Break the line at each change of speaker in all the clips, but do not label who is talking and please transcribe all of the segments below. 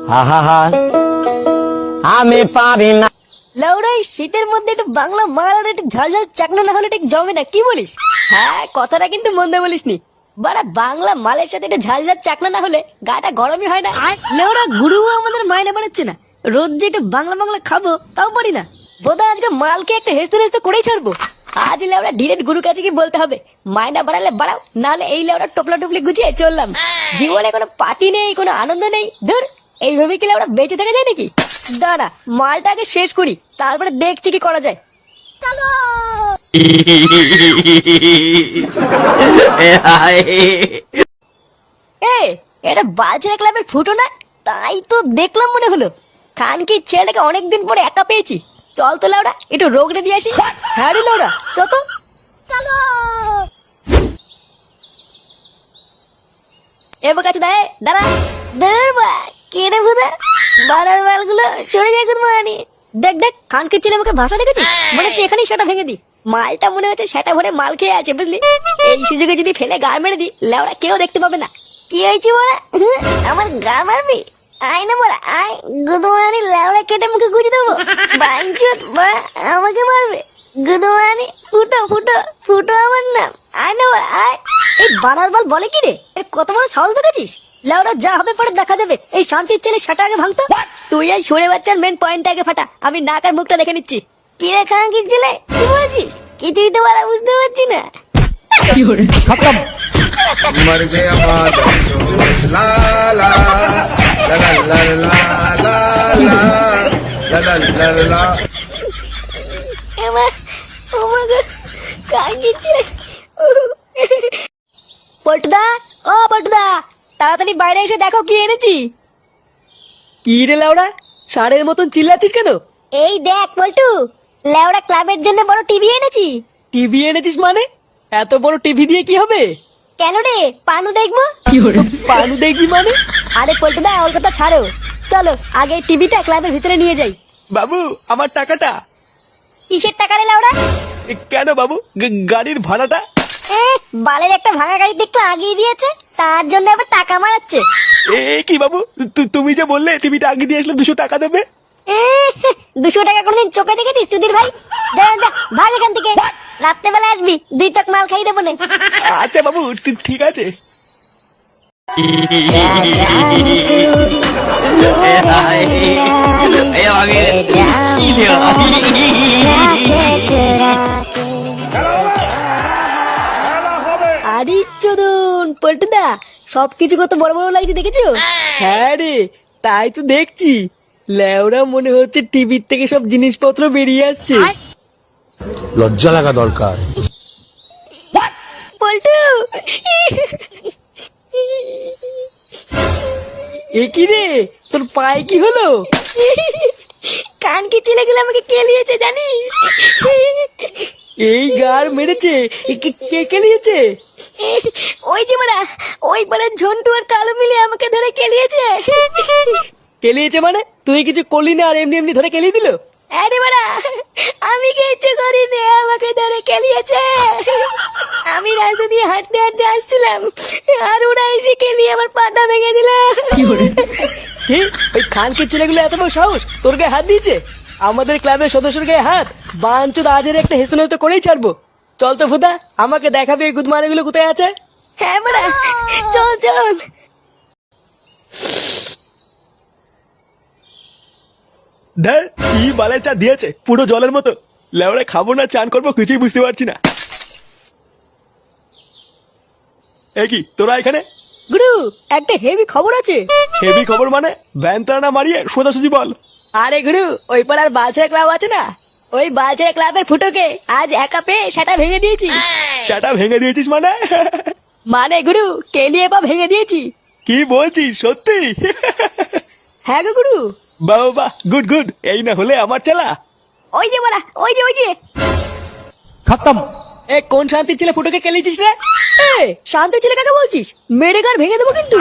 আহা আমি পারি না।
লাউড়াই শীতের মধ্যে একটু বাংলা মাল আর একটু ঝালঝাল চাকনা না হলে ঠিক জমে না, কি বলিস? হ্যাঁ, কথাটা কিন্তু মন্দ বলিসনি। বাড়া বাংলা মালের সাথে একটু ঝালঝাল চাকনা না হলে গাটা গরমই হয় না। লেওড়া গুরুও আমাদের মাইনে বানাচ্ছে না, রোজ যে একটু বাংলা বাংলা খাবো তাও পারি না। বোধহয় আজকে মালকে একটা হেসতে হেসতে করেই ছাড়বো। আজ লেওড়া ডিরেক্ট গুরু কাছে কি বলতে হবে, মাইনা বাড়ালে বাড়াও, নাহলে এই লেওড়া টোপলা টুপলি গুছিয়ে চললাম। জীবনে কোনো পার্টি নেই, কোনো আনন্দ নেই, ধুর। এইভাবে কি লেওড়া বেঁচে থাকা যায় নাকি? দাঁড়া, মালটা আগে শেষ করি, তারপরে দেখছি কি করা যায়। এ, এটা বালছেরা ক্লাবের ফুটো না? তাই তো দেখলাম মনে হলো। খানকির ছেলেটাকে অনেকদিন পরে একা পেয়েছি। চল তো লাউডা, একটু রোগড়ে দিয়ে আসি। হ্যাঁ রে লাউডা, চল তো। এবার কাছে দাঁড়া। ধরবা কেড়ে ভুদা বাড়ার বালগুলো সরে যায় কোন মানে। দেখ দেখ, খানকির ছেলে আমাকে ভাষা দেখেছিস? মনে হচ্ছে এখানেই সেটা ভেঙে দি। মালটা মনে হচ্ছে সেটা ভরে মাল খেয়ে আছে, বুঝলি? এই সুযোগে যদি ফেলে গা মেরে দি, লেওড়া কেউ দেখতে পাবে না। কি হয়েছে বড়া? আমার গা মারবি? আয় না বড়া, আয়। গুদমানি লেওড়া কেটে মুখে গুজে দেবো। বাইঞ্চুত বড়া আমাকে মারবে। গুদমানি ফুটো ফুটো ফুটো আমার নাম। আয় না বড়া, আয়। এই বানার বল বলে কি রে? এর কত বড় সাহস দেখেছিস? লেওড়া যা হবে পরে দেখা যাবে। এই শান্তির ছেলে সেটা আগে ভাঙতো। তুই এই সরে বাচ্চার মেন পয়েন্ট আগে ফাটা, আমি নাক আর মুখটা দেখে নিচ্ছি। কি রে খানকির ছেলে, কি বলছিস? কিছুই তো বাড়া বুঝতে পারছি না।
मर गया माधव ला ला ला ला ला ला ला ला ला।
এমা ও মা গো, খানকির ছেলে। পল্টুদা, ও পল্টুদা, তাড়াতাড়ি বাইরে এসে দেখো কি এনেছি।
কি রে লাউড়া, ষাঁড়ের মতন চিল্লাচ্ছিস কেন?
এই দেখ পল্টু, লেওড়া ক্লাবের জন্য বড় টিভি এনেছি।
টিভি এনেছিস মানে? এত বড় টিভি দিয়ে কি হবে?
কেন রে, পানু দেখবো?
পানু দেখবি মানে?
আরে পল্টুদা, ওর কথা ছাড়ো, চলো আগে টিভিটা ক্লাবের ভিতরে নিয়ে যাই।
বাবু, আমার টাকাটা।
কিসের টাকা রে লাউড়া?
কেন বাবু, গাড়ির ভাড়াটা?
বালের একটা ভাঙা গাড়ি দেখতে আগিয়ে দিয়েছে, তার জন্য আবার টাকা মারাচ্ছে।
কি বাবু, তুমি যে বললে টিভিটা আগে দিয়ে আসলে 200 টাকা দেবে।
200 টাকা কোনদিন চোখে দেখেছিস সুধীর ভাই? যা যা, ভাগ এখান থেকে। রাত্রেবেলা আসবি, 2 টাক মাল খাই দেবো না।
আচ্ছা বাবু, ঠিক আছে।
আরে চোদন পল্টুদা, সবকিছু কত বড় বড় লাগছে দেখেছো?
হ্যাঁ রে, তাই তো দেখছি। লেওরা মনে হচ্ছে টিভির থেকে সব জিনিসপত্র বেরিয়ে আসছে।
লজ্জা লাগা দরকার।
পল্টু,
এ কি রে, তোর পায়ে কি হলো?
কানকি ছেলেগুলো আমাকে কেলিয়েছে জানিস?
এই গার মেরেছে? কে কেলিয়েছে?
ওই যে মারা, ওই পাড়ার ঝন্টু আর কালো মিলে আমাকে ধরে কেলিয়েছে।
কেলিয়েছে মানে? তুই কিছু করলি না আর এমনি এমনি ধরে কেলিয়ে দিল?
আরে মারা, আমি কিছু করিনি, আমাকে ধরে কেলিয়েছে। আমি রাস্তা দিয়ে হাঁটতে হাঁটতে আসছিলাম, আর ওরা এসে কেলিয়ে আমার পাটা ভেঙে দিল।
কি, ওই খানকির ছেলেগুলো এত বড় সাহস তোর গায়ে হাত দিয়েছে? আমাদের ক্লাবের সদস্যের গায়ে হাত? বাঞ্চুদ আজের একটা হেস্ত নেস্ত করেই ছাড়বো। চল তো ফুদা, আমাকে দেখাবে এই গুদমানিগুলো কোথায় আছে।
হ্যাঁ মারা, চল চল।
ধর, কি বালের চা দিয়েছে, পুরো জলের মতো। লেওড়া খাবো না চান করবো কিছুই বুঝতে পারছি না। এ কি তোরা এখানে?
গুরু, একটা হেভি খবর আছে।
হেভি খবর মানে? ভ্যানটা না মারিয়ে সোজাসুজি বল।
আরে গুরু, ওই পাড়ার বালছেরা ক্লাব আছে না, ওই বালছেরা ক্লাবের ফুটোকে আজ একা পেয়ে সেটা ভেঙে দিয়েছি।
সেটা ভেঙে দিয়েছিস মানে?
মানে গুরু, কেলিয়ে পা ভেঙে দিয়েছি।
কি বলছিস সত্যি?
হ্যাঁ গো গুরু।
বাবা বাহ, গুড গুড। এই না হলে আমার চেলা।
ওই যে মারা, ওই যে ওই যে।
খতম। এ কোন শান্তির ছেলে ফুটোকে কেলিয়েছিস রে?
শান্ত ছেলে কাকে বলছিস? মেরে গার ভেঙে দেবো কিন্তু।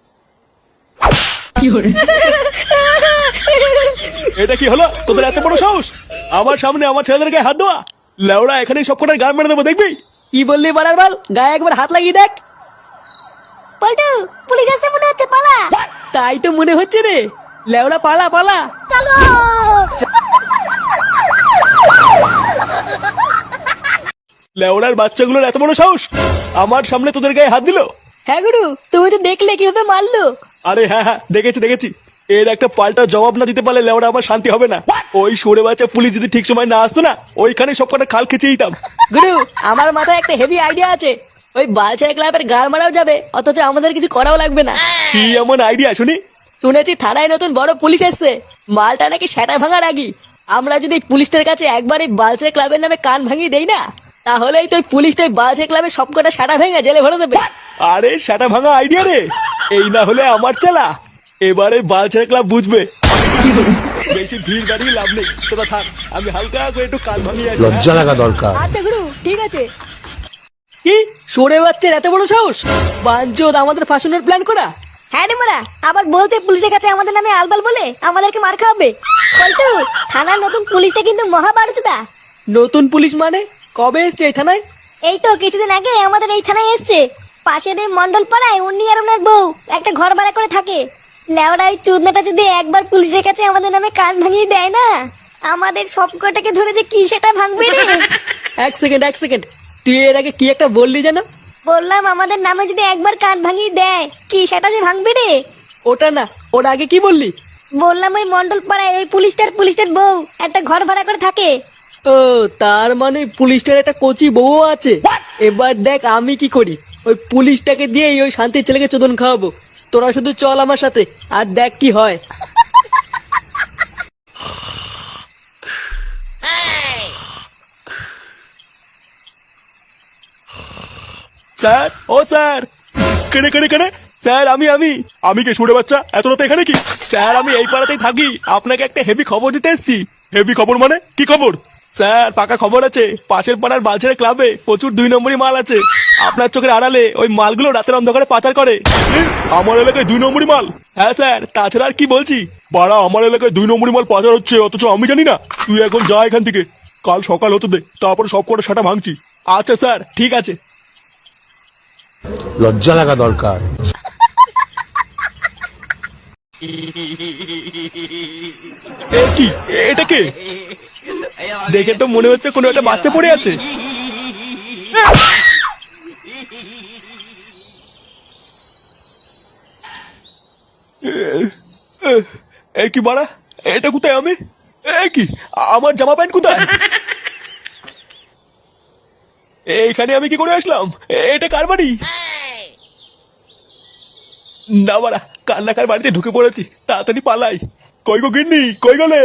এটা কি হলো তোদের এত বড় সাহস? আমার সামনে আমার ছেলেদের গায়ে হাত দেওয়া? লেওড়া এখানে সব কটার গান মেরে দেবো, দেখবি? কি বললি বাড়ার বাল? গায়ে একবার হাত লাগিয়ে দেখ।
পল্টু, পুলিশ আসতে মনে হচ্ছে, পালা।
তাই তো মনে হচ্ছে রে। লেওড়া পালা পালা। লেওড়ার বাচ্চাগুলোর এত বড় সাহস, আমার সামনে তোদের গায়ে হাত দিল।
হ্যাঁ গুরু, তুমি তো দেখলে কিভাবে মারলো।
আরে হ্যাঁ হ্যাঁ, দেখেছি। এর একটা পাল্টা জবাব না দিতে পারলে লেওড়া আমার শান্তি হবে না। ওই সরে বাচ্চা পুলিশ যদি ঠিক সময় না আসতো না, ওইখানে সব কটা খাল খেচে দিতাম।
গুরু, আমার মাথায় একটা হেভি আইডিয়া আছে। ওই বালছাই ক্লাবের গাড় মারাও যাবে, অথচ আমাদের কিছু করাও লাগবে না।
কি এমন আইডিয়া শুনি?
শুনেছি থানায় নতুন বড় পুলিশ এসছে, মালটা নাকি সেটা ভাঙার আগি। আমরা যদি পুলিশটার কাছে একবার এই বালছাই ক্লাবের নামে কান ভাঙিয়ে দেই না, তাহলেই তো পুলিশটা বালছাই ক্লাবের সবকটা সাটা ভেঙে জেলে ভরে দেবে।
আরে সেটা ভাঙা আইডিয়া রে, এই না হলে আমার চালা। এবারে বালছাই ক্লাব বুঝবে বেশি ভিড় বাড়িয়ে লাভ নেই। তোরা থাক, আমি হালকা করে একটু কান ভাঙিয়ে আসি।
লজ্জা লাগা দরকার।
আচ্ছা গুরু, ঠিক আছে।
কি সরে বাচ্চার এত বড় সাহস, বাঞ্চোদ আমাদের ফাঁসানোর প্ল্যান করা।
হ্যাঁ রে মারা, আবার বলছে পুলিশের কাছে আমাদের নামে আলবাল বলে আমাদেরকে মার খাওয়াবে। পল্টু, থানার নতুন পুলিশটা কিন্তু মহা বাড়ুচুদা।
নতুন পুলিশ মানে? কবে এসছে এই থানায়?
এই তো কিছুদিন আগে আমাদের এই থানায় এসছে। পাশের এই মন্ডল পাড়ায় উনি আর ওনার বউ একটা ঘর ভাড়া করে থাকে। লেওড়া ওই চুদনাটা যদি একবার পুলিশের কাছে আমাদের নামে কান ভাঙিয়ে দেয় না, আমাদের সব কটাকে ধরে যে কি সেটা ভাঙবে রে।
এক সেকেন্ড, তুই এর আগে কি একটা বললি যেন?
বললাম আমাদের নামে যদি একবার কান ভাঙিয়ে দেয়, কি সেটা যে ভাঙবে রে।
ওটা না, ওর আগে কি বললি?
বললাম ওই মন্ডল পাড়ায় ওই পুলিশটার বউ একটা ঘর ভাড়া করে থাকে।
ও, তার মানে পুলিশটার একটা কচি বউ আছে। এবার দেখ আমি কি করি। ওই পুলিশটাকে দিয়ে ওই শান্তির ছেলেকে চোদন খাওয়াবো। তোরা শুধু চল আমার সাথে, আর দেখ কি হয়। স্যার, ও স্যার। কেনে স্যার, আমি কে শুনে বাচ্চা? এত রাতে এখানে কি? স্যার, আমি এই পাড়াতেই থাকি, আপনাকে একটা হেভি খবর দিতে এসেছি। হেভি খবর মানে? কি খবর? স্যার, পাকা খবর আছে, পাশের পাড়ার বালছেড়ে ক্লাবে প্রচুর 2 নম্বরই মাল আছে। আপনার চোখের আড়ালে ওই মালগুলো রাতের অন্ধকারে পাচার করে। আমার এলাকায় 2 নম্বরই মাল? হ্যাঁ স্যার, তাছাড়া আর কি বলছি। বাড়া, আমার এলাকায় 2 নম্বরই মাল পাচার হচ্ছে, অথচ আমি জানি না। তুই এখন যা এখান থেকে, কাল সকাল হতে দে, তারপর সব কটা সাটা ভাঙছি। আচ্ছা স্যার, ঠিক আছে।
লজ্জা লাগা দরকার।
এ কি, এটা কে? দেখে তো মনে হচ্ছে কোনো একটা বাচ্চা পড়ে আছে। এ কি বাড়া, এটা কোথায় আমি? এ কি, আমার জামা প্যান্ট কোথায়? এইখানে আমি কি করে আসলাম? এটা কার বাড়ি? না বাড়া, কান্নাকার বাড়িতে ঢুকে পড়েছি, তাড়াতাড়ি পালাই। কই গো গিন্নি, কই গেলে?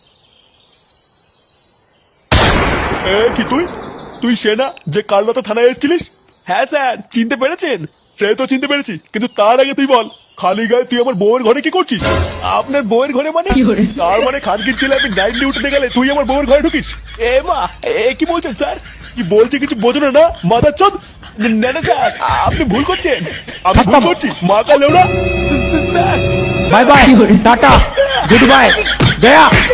কি তুই সে না যে কাল রাতে থানায় এসেছিলিস? হ্যাঁ স্যার, চিনতে পেরেছেন? সে তো চিনতে পেরেছি, কিন্তু তার আগে তুই বল, খালি গায়ে তুই আমার বউয়ের ঘরে কি করছিস? আপনার বউয়ের ঘরে মানে? তার মানে খানকির ছেলে আমি নাইট ডিউটিতে গেলে তুই আমার বউয়ের ঘরে ঢুকিস? এ মা, এ কি বলছেন স্যার? কি বলছে কিছু বোঝো না মাদার চোদ? না না স্যার, আপনি ভুল করছেন। আমি ভুল করছি? মা কাল sir,
bye bye, tata, goodbye, Gaya.